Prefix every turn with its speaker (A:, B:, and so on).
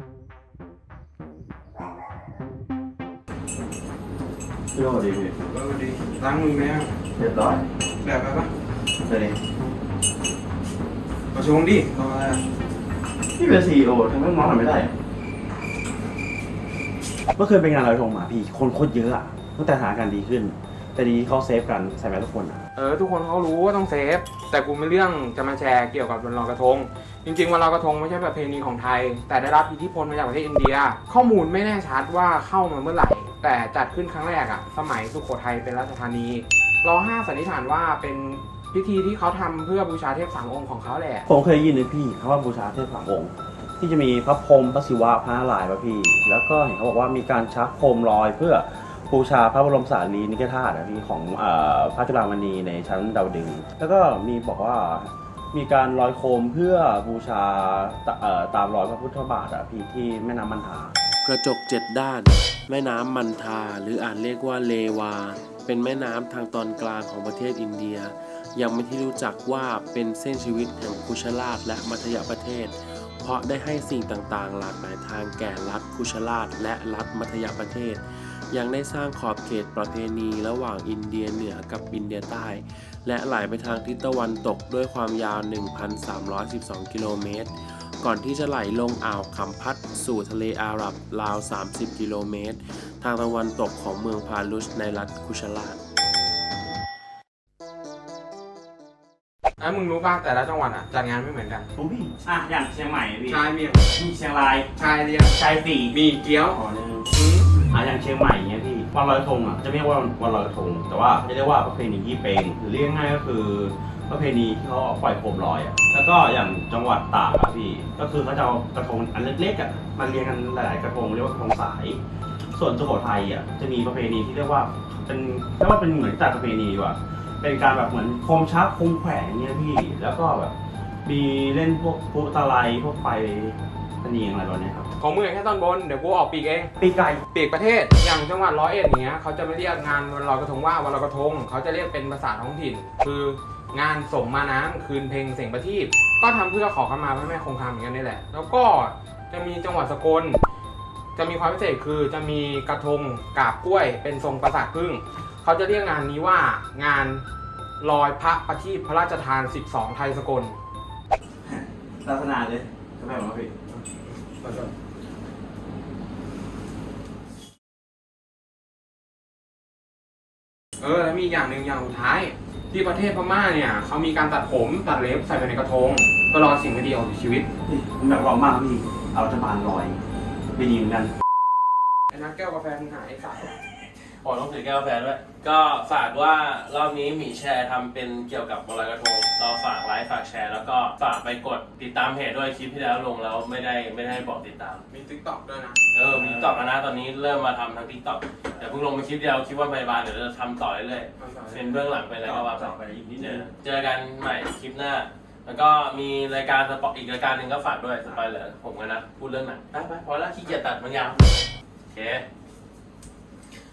A: พี่โอ้ดีพี่
B: ดีล้างมือไหมอ่ะ
A: เรียบร้อย
B: แบบไปปะ
A: เลย
B: มาชงดิรออะไรอ่ะ
A: พี่เป็นซีอีโอทำไมน้องทำไม่ได้เมื่อคืนเป็นงานลอยกระทงมาพี่คนโคตรเยอะอะตั้งแต่สถานการณ์ดีขึ้น แต่ดีเขาเซฟกันใส่แมสทุกคนอะ
B: ทุกคนเขารู้ว่าต้องเซฟแต่กูไม่เรื่องจะมาแชร์เกี่ยวกับวันลอยกระทงจริงๆวันลอยกระทงไม่ใช่ประเพณีของไทยแต่ได้รับอิทธิพลมาจากประเทศอินเดียข้อมูลไม่แน่ชัดว่าเข้ามาเมื่อไหร่แต่จัดขึ้นครั้งแรกอะสมัยสุโขทัยเป็นราชธานีร.5 สันนิษฐานว่าเป็นพิธีที่เขาทำเพื่อบูชาเทพสามองค์ของเขาแหละ
A: ผมเคยยินเลยพี่เขาว่าบูชาเทพสามองค์ที่จะมีพระพรหมพระศิวะพระนารายณ์ป่ะพี่แล้วก็เห็นเขาบอกว่ามีการชักโคมลอยเพื่อบูชาพระบรมสารีริกธาตุพี่ของพระจุฬามณีในชั้นดาวดึงส์แล้วก็มีบอกว่ามีการลอยโคมเพื่อบูชาตามรอยพระพุทธบาทพี่ที่แม่น้ำมันทา
C: กระจก7ด้าน แม่น้ำมันทาหรืออาจเรียกว่าเลวา เป็นแม่น้ำทางตอนกลางของประเทศอินเดีย ยังไม่ที่รู้จักว่าเป็นเส้นชีวิตแห่งคุชราชและมัธยประเทศ เพราะได้ให้สิ่งต่างๆ หลากหลายทางแก่รัฐคุชราชและรัฐมัธยประเทศ ยังได้สร้างขอบเขตประเพณีระหว่างอินเดียเหนือกับอินเดียใต้ และไหลไปทางทิศตะวันตกด้วยความยาว 1,312 กิโลเมตร ก่อนที่จะไหลลงอ่าวคัมพัตสู่ทะเลอาหรับราว 30 กิโลเมตร ทางตะวันตกของเมืองพาลุชในรัฐคุชราช
B: มึงรู้ป่ะแต่ละจังหวัดอ่ะจัดงานไม่เหมือนกัน
A: ผมพี่อย่างเชียงใหม่พี่
B: ชายมี
A: มีเชียงราย
B: ชายเดียว
A: ชายสี่
B: มีเกี๊ยว
A: อ๋อนึงอย่างเชียงใหม่เงี้ยพี่วันลอยกระทงจะไม่เรียกว่าวันลอยกระทงแต่ว่าจะเรียกว่าประเพณียี่เป็งหรือเรียกง่ายก็คือประเพณีที่เขาปล่อยโคมลอยแล้วก็อย่างจังหวัดตากพี่ก็คือเขาจะเอากระทงอันเล็กๆมันเรียงกันหลายๆกระทงเรียกว่ากระทงสายส่วนสุโขทัยจะมีประเพณีที่เรียกว่าเป็นเหมือนจัดประเพณีดีกว่าเป็นการแบบเหมือนโคมชักโคมแขวนเงี้ยพี่แล้วก็แบบมีเล่นพวกปุ๊ตะไลพวกไฟตะเนียงอะไรแบบนี้ครับ
B: ของมึงแค่ตอนบนเดี๋ยวกูออกปีกเอง
A: ปีกไก่
B: ปีกประเทศอย่างจังหวัด101อย่างเงี้ยเขาจะไม่เรียกงานวันลอยกระทงว่าวันลอยกระทงเขาจะเรียกเป็นภาษาท้องถิ่น คืองานสมมาน้ำคืนเพลงเสียงประทีปก็ทำเพื่อขอขมาพระแม่คงคาเหมือนกันนี่แหละแล้วก็จะมีจังหวัดสกลจะมีความพิเศษคือจะมีกระทงกาบกล้วยเป็นทรงปราสาทผึ้งเขาจะเรียกงานนี้ว่างานลอยพระประทีปพระราชทาน12ไทยสกล
A: ลักษณะเลยจะแบบว่าพี่
B: แล้วมีอย่างหนึ่งอย่างสุดท้ายที่ประเทศพม่าเนี่ยเขามีการตัดผมตัดเล็บใส่ไปในกระทงเพื่อรอสิ่งไม่ดีออกจากชีวิต
A: ผมแบบร้องมากพี่เอารัฐบาลลอยไปดีเหมือนกัน
B: ไอ้นักแก้วกาแฟมึงหายไอ้สาย
C: ขอต้องถือแก้วกาแฟด้วย ก็ฝากว่ารอบนี้หมีแชร์ทำเป็นเกี่ยวกับวันลอยกระทงเราฝากไลค์ฝากแชร์แล้วก็ฝากไปกดติดตามเพจด้วยคลิปที่แล้วลงแล้วไม่ได้บอกติดตาม
B: มีติ๊กต็อกด้วยนะ
C: มีติ๊กต็อกนะตอนนี้เริ่มมาทำทางติ๊กต็อกแต่เพิ่งลงมาคลิปเดียวคลิปว่าพยาบาลเดี๋ยวจะทำต่อเรื่อยๆเป็นเบื้องหลังเป็นอะไรก็ว่าไปเจอกันใหม่คลิปหน้า แล้วก็มีรายการอีกรายการหนึ่งก็ฝากด้วยสปอยเลอร์ผมกันนะพูดเรื่องหนังไปพอแล้วขี้เกียจตัดมันยาวโอเค